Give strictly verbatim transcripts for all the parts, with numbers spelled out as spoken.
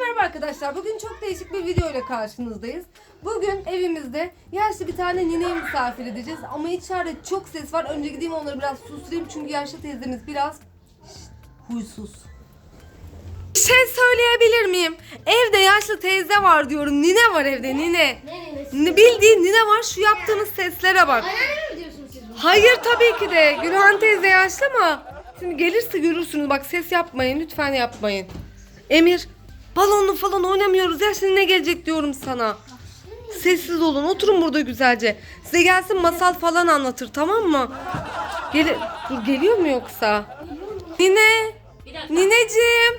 merhaba arkadaşlar. Bugün çok değişik bir video ile karşınızdayız. Bugün evimizde yaşlı bir tane nineyi misafir edeceğiz. Ama içeride çok ses var. Önce gideyim onları biraz susturayım. Çünkü yaşlı teyzemiz biraz şşt, huysuz. Bir şey söyleyebilir miyim? Evde yaşlı teyze var diyorum. Nine var evde, nine. Ne bildiğin nine var. Şu yaptığınız seslere bak. Anneanne mi diyorsunuz siz bunu? Hayır tabii ki de. Gülhan teyze yaşlı ama şimdi gelirse görürsünüz. Bak ses yapmayın. Lütfen yapmayın. Emir, balonlu falan oynamıyoruz ya, şimdi ne gelecek diyorum sana. Sessiz olun, oturun burada güzelce. Size gelsin masal falan anlatır, tamam mı? Gel Dur, geliyor mu yoksa? Nine, nineciğim.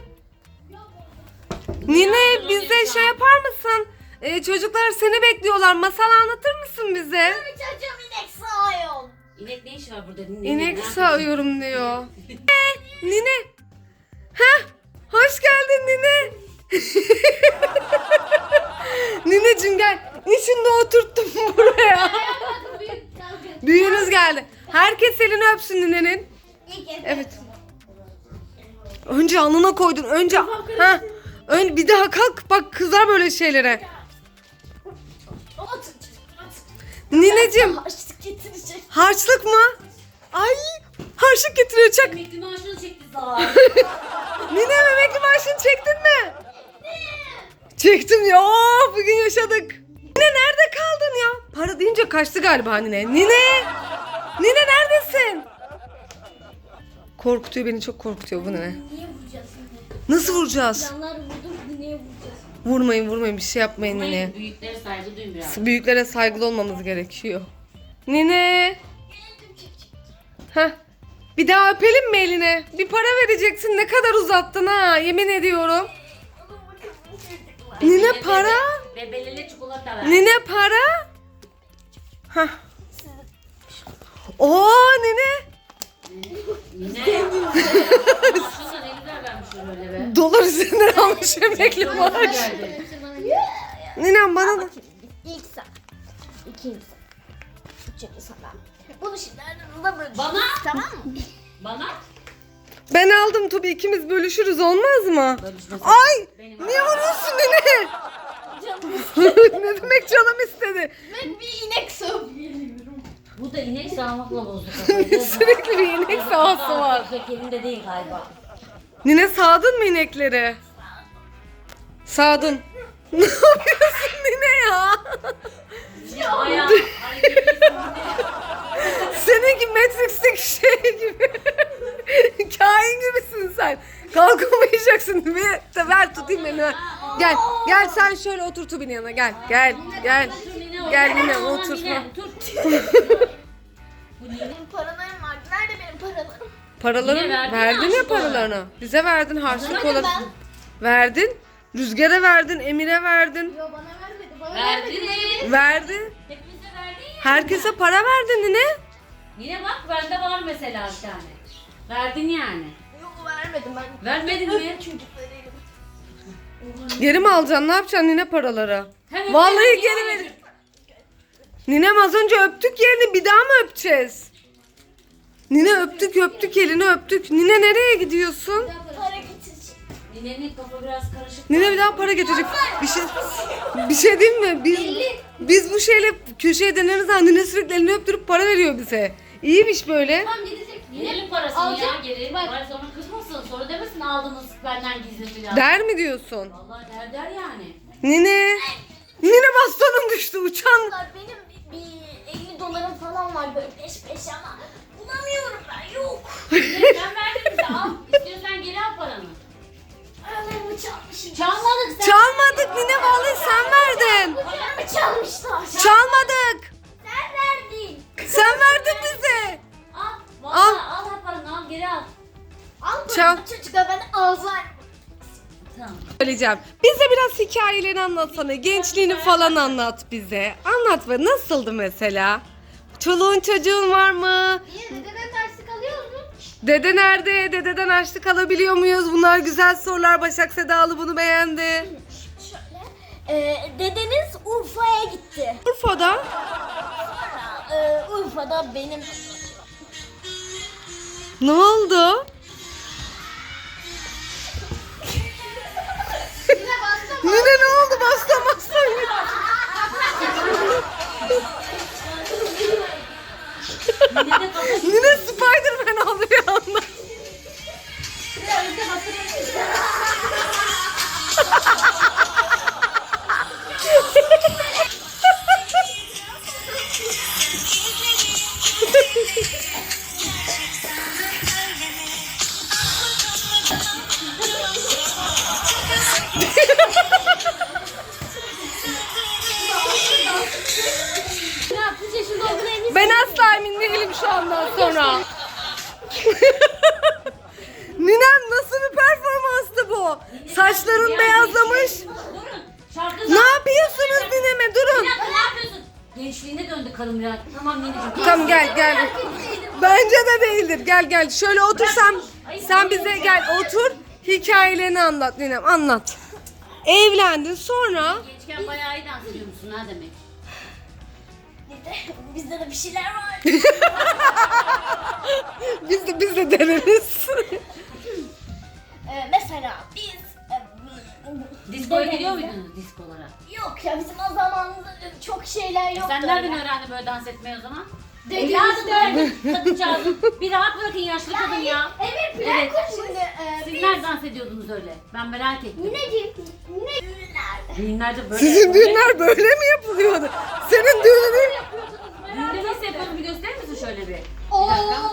Nine, bize şey yapar mısın? Ee, çocuklar seni bekliyorlar, masal anlatır mısın bize? Çocuğum inek sağıyor. İnek ne işi var burada? Nine, İnek ne sağıyorum diyor. Ee, Nine. Heh, hoş geldin Nine. Nineciğim gel. İçinde oturttum buraya. Büyüğünüz geldi. Herkes elini öpsün Nine'nin. Evet. Önce alnına koydun. Önce ha. Ön bir daha kalk. Bak kızar böyle şeylere. Nineciğim. Harçlık getirecek. Harçlık mı? Ay, harçlık getiriyor, çak. Emekli maaşını çekti zaten. Nine, emekli maaşını çektin mi? Çektim ya. Oh, bugün yaşadık. Nine nerede kaldın ya? Para deyince kaçtı galiba Nine. Nine! Nine neredesin? Korkutuyor beni, çok korkutuyor bu Nine. Niye vuracağız şimdi? Nasıl vuracağız? Canlar vurdum, niye vuracağız? Vurmayın vurmayın, bir şey yapmayın Nine. Büyüklere saygı duyun biraz. Büyüklere saygılı olmamız gerekiyor. Nine! Heh. Bir daha öpelim mi eline? Bir para vereceksin, ne kadar uzattın ha, yemin ediyorum. Nine para? Bebelele çikolata ver. Nine para? Hah. Oo Nine. Nine. Maaşını ne güzel vermiş öyle be. Dolar üzerinden almış emekli maaş. Geldi. Ninem bana da. İlk sen. İkinci sen. Üçüncü sana. Bunu şimdi aranızda bölüşürüz. Bana? Tamam mı? Bana? Ben aldım tabii, ikimiz bölüşürüz, olmaz mı? Bölüşmesin. Ay! Benim Niye vuruyorsun Nine? Canım Ne demek canım istedi? ben bir inek sağıp geliyorum. Bu da inek sağmakla bozdu kafayı. Sürekli bir inek sağası var. Pek elinde değil galiba. Nine, sağdın mı inekleri? Sağdın. Ne yapıyorsun Nine ya? Ya ayağı. hareketli. Seninki Matrix'teki şey gibi. Kain gibisin sen. Kalkamayacaksın. Bir de ver tutayım beni. Gel. Gel sen şöyle otur Tubi'nin yanına. Gel. Gel. Gel. Gel Nine, otur. Nine, otur. Bu Nine. Benim paralarım vardı. Nerede benim paralarım? Paraları Yine verdin verdin ya harçlık paralarını. Bize verdin harçlık Vermedim olarak. ben. Verdin. Rüzgar'a verdin, Emir'e verdin. Yo bana vermedi. Bana Verdin. vermedi. Verdin. Hepimize verdin ya. Herkese para verdin Nine. Yine bak bende var mesela bir tane. Verdin yani. Yok vermedim ben. Vermedin mi? Çocuklarıyım. Geri mi alacaksın? Ne yapacaksın Nine paraları? Hemen Vallahi hemen geri yani. ver. Ninem, az önce öptük yerini, bir daha mı öpeceğiz? Nine, öptük öptük elini öptük. Nine, nereye gidiyorsun? Para getirecek. Ninenin kafa biraz karışık. Nine bir daha para getirecek. Bir şey bir şey diyeyim mi? Biz biz bu şeyle köşeye döneriz ha. Nine sürekli elini öptürüp para veriyor bize. İyiymiş böyle. Tamam gidecek. Ninenin parasını Alacak. ya geri. Bak. Bak. Sonra kızmasın. Sonra demesin aldınız benden gizli falan. Der mi diyorsun? Vallahi der der yani. Nine. Nine, bastonun düştü, uçan. Benim bir, bir elli dolarım falan var böyle peş peşe ama bulamıyorum ben, yok. Nine, sen verdin bize al. İstiyorsan geri al paranı. Paralarımı çalmışım. Çalmadık sen. Çalmadık Nine, vallahi sen verdin. Paralarımı çalmışlar. Çalmadık. Sen verdin. Sen verdin bize. Al. Vallahi al. al paranı al geri al. Al Çal. paramı çocuklar, ben Alzheimer. Tamam. Söyleyeceğim. Bize biraz hikayelerini anlatsana. Gençliğini falan anlat bize. Anlat be, nasıldı mesela? Çoluğun çocuğun var mı? Niye dededen derslik alıyor mu? Dede nerede? Dededen harçlık alabiliyor muyuz? Bunlar güzel sorular. Başak Sedalı bunu beğendi. Şöyle. Ee, dedeniz Urfa'ya gitti. Urfa'da. Sonra e, Urfa'da benim Ne oldu? Yine bak sonra. Ninem nasıl bir performanstı bu? Saçların Ya, beyazlamış. Durun. Şarkı Ne yapıyorsunuz nineme? Bir Durun. dakika ne yapıyorsun? Gençliğine döndü kadın biraz. Tamam nineciğim. Tamam gel gel. Bence de değildir. Gel gel. Şöyle otur sen. Sen bize gel otur. Hikayelerini anlat ninem. Anlat. Evlendin sonra. Gençken bayağı iyi dans ediyor musun ha demek? Bizde de bir şeyler var. Biz de biz de deneriz. Ee, mesela biz e, Diskoya dedemizle- gidiyor muydunuz diskolara? Yok ya bizim o zamanımızda çok şeyler yoktu. Sen nereden öyle. öğrendin böyle dans etmeyi o zaman? Dedemizde. Evladım öğrendin kadıncağızın. Bir rahat bırakın yaşlı kadın ya. Evet plan Evet. kur şimdi. E, Siz biz nerede dans ediyordunuz öyle? Ben merak ettim. Nineciğim, ne düğünlerde? Düğünlerde böyle. Sizin düğünler böyle mi yapılıyordu? Senin düğünün... Düğünde nasıl yapalım bir gösterir misin şöyle bir? Ooo!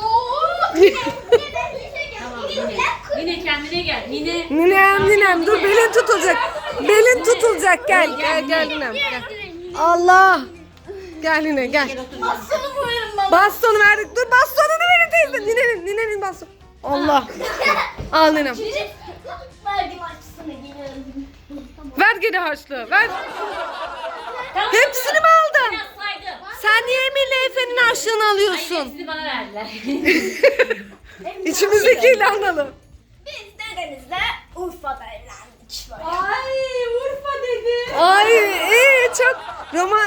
Tamam Nine. Nine kendine gel. Nine. Ninem ninem dur belin tutulacak. Belin tutulacak gel gel gel ninem gel. Allah. Gel nine gel. Bassonu koyarım bana. Bastonu verdik. Dur bastonunu verin teyze. Ninenin ninenin bastonu. Allah. Al ninem. Verdim açısını geliyorum. Ver geri harçlığı. Ver. Tamam, Hepsini mi tamam. aldın? Biraz saydım. Sen niye Emir'le Efe'nin harçlığını Hayır alıyorsun? hepsini bana verdiler. İçimizdekiyle anladım. Biz dedenizle Urfa'da evlendik böyle. Ay Urfa dedi. Ay iyi çok roman.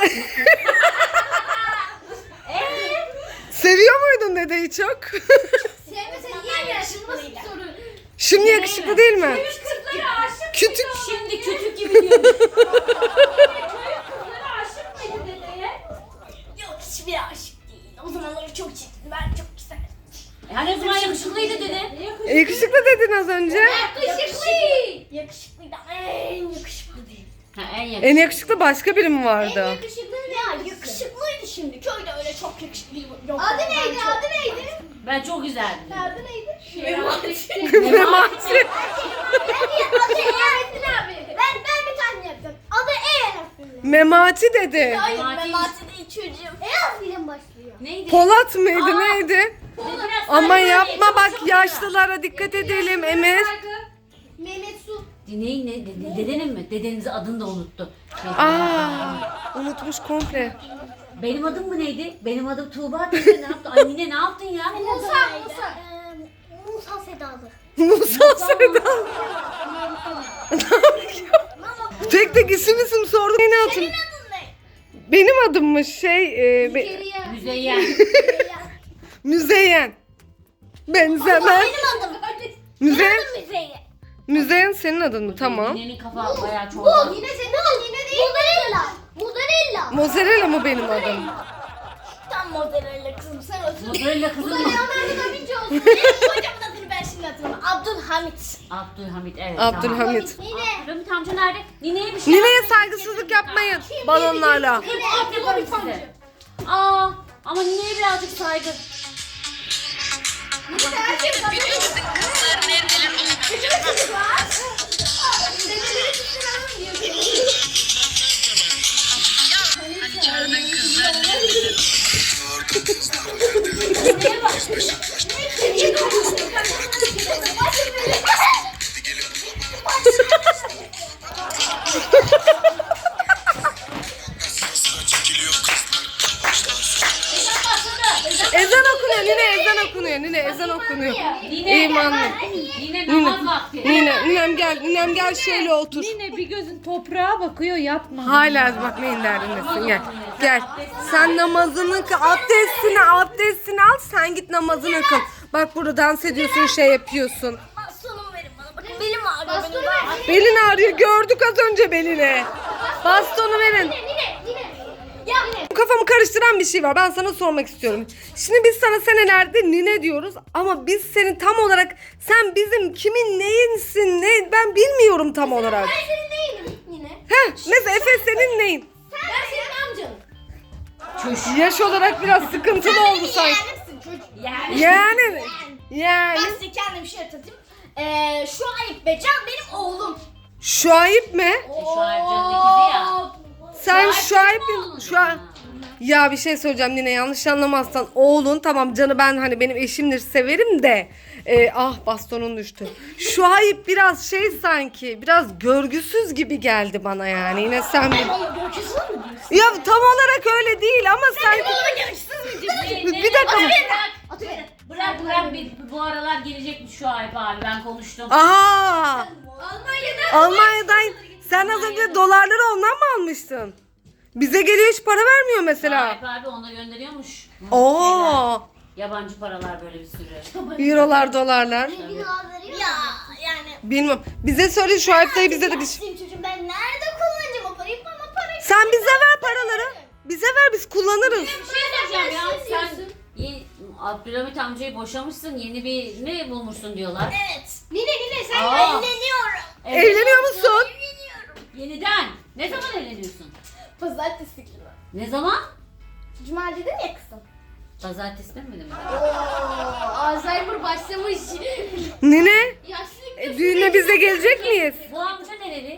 Seviyor muydun dedeyi çok? Sevmesen niye yaşındasın soru? Şimdi yakışıklı değil mi? Kızlara aşık Kütük. Şimdi kütük gibi diyormuş. Kızlara aşık mıydı dedeye? Yok hiçbir aşık değil. O zamanları çok çirkin. Ben çok güzel. Yani o zaman yakışıklıydı dedi. E, yakışıklı dedin az önce. Yakışıklı. Yakışıklıydı ama en yakışıklı değil. Ha en yakışıklı. En yakışıklı başka biri mi vardı? yakışıklı ya yakışıklıydı şimdi. Köyde öyle çok yakışıklı yok. Adı neydi? Adı neydi? Ben çok güzeldim. Adı neydi? Memati. Adı E harfli abi. Ben ben bir tane yapacağım. Adı E harfli. Memati dedi. Hayır Memati. Memati değil çocuğum. E harfiyle başlıyor. Neydi? Polat mıydı neydi? Biraz Ama saygı yapma çok bak çok yaşlılara dikkat edelim Emir. Mehmet Su. Dineyin ne? Dede- Dedenin mi? Dedenizin adını da unuttu. Aa, unutmuş komple. Benim adım mı neydi? Benim adım Tuğba teyze ne yaptı? Ay Nine ne yaptın ya? Musa Musa. Musa Sedalı. Musa Sedan. Tek tek isim isim sordum. Beni hatır. Senin adın ne? Benim adımmış şey e, be- Müzeyyen. Müzeyyen. Benzemez. Benim adım. Müzeyyen. Müzeyyen. Müzeyyen senin adın mı? Tamam. Ninenin kafa bayağı çok. Bu yine senin adın yine değil. Mozzarella. Mozzarella. Mozzarella mı benim adım? Tam mozzarella kızım sen otur. Mozzarella kızım mı? Leonardo da Vinci olsun. Benim kocamın adını ben şimdi hatırlamam. Abdülhamit. Abdülhamit evet. Abdülhamit. Nine. Tamam. Abdülhamit amca nerede? Nineye bir şey Nineye yapmayın. saygısızlık yapmayın balonlarla. Nine Abdülhamit size. Aa ama nineye birazcık saygı. Ezan okunuyor Nine ezan okunuyor Nine ezan okunuyor. Nine. İmanlı. Nine namaz vakti. Nine, ninem gel, ninem gel şöyle otur. Yine bir gözün toprağa bakıyor yapma. Hala bak neyin derdindesin gel. Gel. Sen namazını kıl, abdestini, abdestini al sen git namazını kıl. Bak burada dans ediyorsun şey yapıyorsun. Bastonumu verin bana. Bakın belim ağrıyor. Benim. Belin ağrıyor gördük az önce belini. Bastonu verin. Nine Nine. Ya Nine. Kafamı karıştıran bir şey var. Ben sana sormak istiyorum. Şimdi biz sana senelerde nine diyoruz ama biz seni tam olarak sen bizim kimin neyinsin ne ben bilmiyorum tam olarak. Ben senin değilim Nine. Heh, mesela Efe senin neyin? Ben senin amcanım. Yaş olarak biraz sıkıntılı oldu sanki. Yeğenimsin çocuk. Yani. Yani yani Ben size kendim bir şey hatırlatayım. Ee, şu Ayıp ve Can benim oğlum. Şuayip mi? Şuayb'canın ikizi ya. Sen Şuayb Şuayip benim oğlum şu an ya. Ya bir şey söyleyeceğim Nine, yanlış anlamazsan oğlun tamam canı, ben hani benim eşimdir severim de e, ah bastonun düştü. Şuayb biraz şey sanki biraz görgüsüz gibi geldi bana yani. Yine sen bir... Görküsüz mü diyorsun? Ya tam olarak öyle değil ama sanki... Görküsüz mü diyorsun? Ne- ne- Bir dakika. Bırak, Atıverin. Bırak bırak bir, bu aralar gelecekmiş şu Ayıp abi, ben konuştum. Aa! Almanya'dan. Almanya'dan sen az önce dolarları ondan mı almıştın? Bize geliyor, hiç para vermiyor mesela. Ayıp abi ona gönderiyormuş. Oo! Yabancı paralar böyle bir sürü. Eurolar, dolarlar. Ya yani. Bilmem. Bize söyle, Şuayb dayı bize de bir şey. Yaşlıyım çocuğum, ben nerede kullanacağım o parayı? Bana parayı. Sen bize ver paraları. Bize ver, biz kullanırız. Bir şey söyleyeceğim ya, Sen sen diyorsun. ye- Abdülhamit amcayı boşamışsın, yeni bir ne bulmuşsun diyorlar. Evet. Nine Nine sen Aa. evleniyorum. Evleniyor musun? Evleniyorum. Yeniden. Ne zaman evleniyorsun? Pazartesi günü. Ne zaman? Cuma dedin ya kızım. Pazartesi demedim mi? Oo, Alzheimer başlamış. Nine, Yaşlılık e, düğüne biz de gelecek miyiz? Bu amca nereli?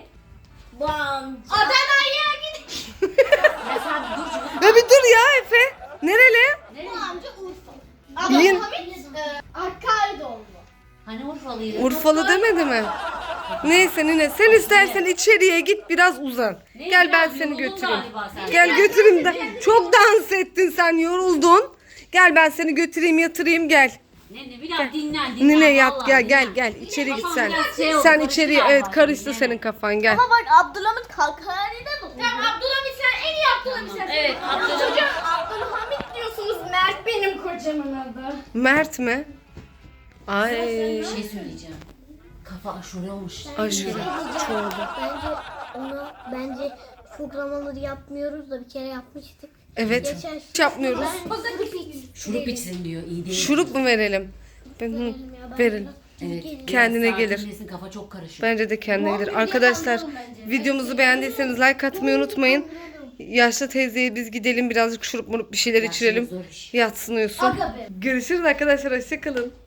Bam. Adana'ya gidin. Ya sen dur çocuk. Ya bir dur ya Efe. Nereli? Nereli? Bu amca Urfa. Bilin- Abdülhamit e, Hakkari doğumlu. Hani Urfalıydı? Urfalı demedi mi? Neyse Nine, sen istersen içeriye git, biraz uzan. Ne, Gel ben biraz seni yoruldun götüreyim. galiba sen. Gel götüreyim de. Çok dans ettin sen, yoruldun. Gel ben seni götüreyim, yatırayım, gel. Ne ne biraz dinlen dinlen. Nine yat, vallahi gel dinlen. gel gel içeri git Kafam sen. biraz şey oldu, Sen karıştı içeriye, galiba evet şimdi, karıştı yani. senin kafan, gel. Ama bak Abdülhamit Hakkari'de doğumlu. Tamam Abdülhamit sen en iyi Abdülhamit Tamam, sen. evet, Abdülhamit. Çocuğum Abdülhamit diyorsunuz. Mert benim kocamın adı. Mert mi? Ay. Bir şey söyleyeceğim. Kafa aşure olmuş. Aşırı çoğuldu. Bence ona bence çok zamandır yapmıyoruz da bir kere yapmıştık. Evet. Geçen Hiç yapmıyoruz. Şurup içsin diyor, iyi değil. Şurup mu verelim? Ben, hı, verin. Evet. Kendine biraz gelir. sakinleşsin, kafa çok karışık. Bence de kendine gelir. Arkadaşlar videomuzu beğendiyseniz like atmayı unutmayın. Yaşlı teyzeye biz gidelim, birazcık şurup murup bir şeyler içirelim. Zor bir şey. Yatsın uyusun. Görüşürüz arkadaşlar, hoşçakalın.